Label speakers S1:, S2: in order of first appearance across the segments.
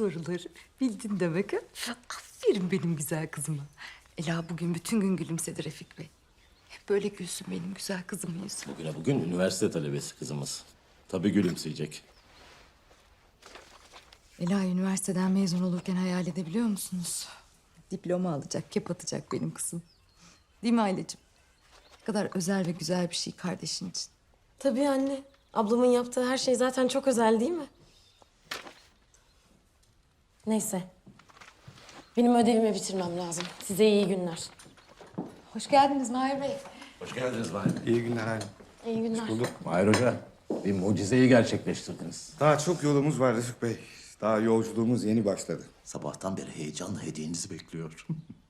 S1: soruları bildin demek ha? Aferin benim güzel kızıma. Ela bugün bütün gün gülümsedi Refik Bey. Hep böyle gülsün benim güzel kızımın yüzü.
S2: Bugün üniversite talebesi kızımız. Tabii gülümseyecek.
S1: Ela üniversiteden mezun olurken hayal edebiliyor musunuz? Diploma alacak, kep atacak benim kızım. Değil mi Aileciğim? Ne kadar özel ve güzel bir şey kardeşin için.
S3: Tabii anne. Ablamın yaptığı her şey zaten çok özel değil mi? Neyse. Benim ödevimi bitirmem lazım. Size iyi günler.
S1: Hoş geldiniz Mahir Bey.
S2: Hoş geldiniz Mahir.
S4: İyi günler Halim.
S3: İyi günler.
S2: Mahir Hoca, bir mucizeyi gerçekleştirdiniz.
S4: Daha çok yolumuz var Refik Bey. Daha yolculuğumuz yeni başladı.
S2: Sabahtan beri heyecanla hediyenizi bekliyor.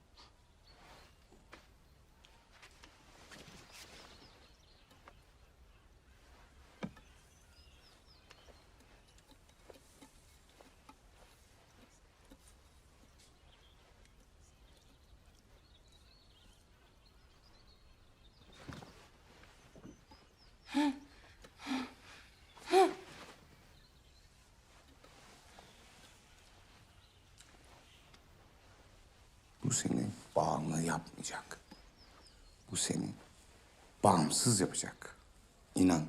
S4: Bu seni bağımlı yapmayacak. Bu seni bağımsız yapacak. İnan.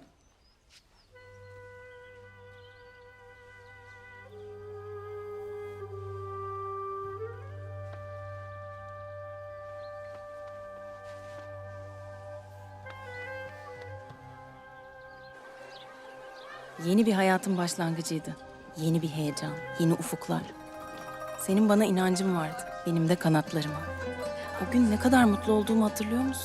S3: Yeni bir hayatın başlangıcıydı. Yeni bir heyecan, yeni ufuklar. Senin bana inancın vardı, benim de kanatlarıma. O gün ne kadar mutlu olduğumu hatırlıyor musun?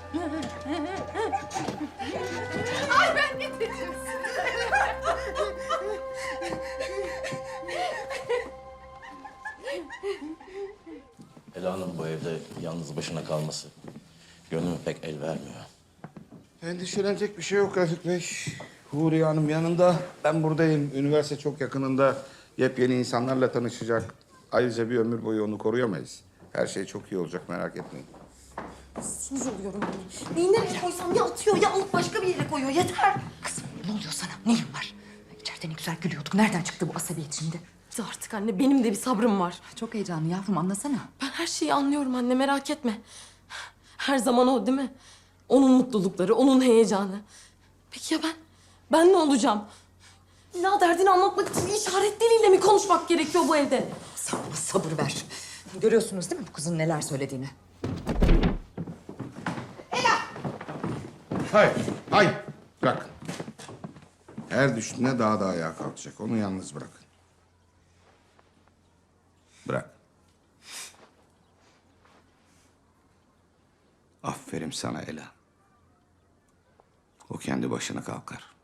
S2: Ela'nın bu evde yalnız başına kalması gönlüme pek el vermiyor.
S4: Endişelenecek bir şey yok Refik Bey. Huriye Hanım yanında, ben buradayım. Üniversite çok yakınında. Yepyeni insanlarla tanışacak. Ayrıca bir ömür boyu onu koruyamayız. Her şey çok iyi olacak, merak etmeyin.
S3: Sinir oluyorum anne. Neyi nereye koysam ya atıyor ya alıp başka bir yere koyuyor. Yeter.
S1: Kızım ne oluyor sana? Neyin var? İçeride ne güzel gülüyorduk. Nereden çıktı bu asabiyet şimdi?
S3: Artık anne benim de bir sabrım var.
S1: Çok heyecanlı yavrum anlasana.
S3: Ben her şeyi anlıyorum anne merak etme. Her zaman o değil mi? Onun mutlulukları, onun heyecanı. Peki ya ben? Ben ne olacağım? İlla derdini anlatmak için işaret diliyle mi konuşmak gerekiyor bu evde?
S1: Sen bana sabır ver. Görüyorsunuz değil mi bu kızın neler söylediğini?
S4: Hayır, hayır. Bırak. Her düştüğünde daha da ayağa kalkacak. Onu yalnız bırakın. Bırak. Aferin sana Ela. O kendi başına kalkar.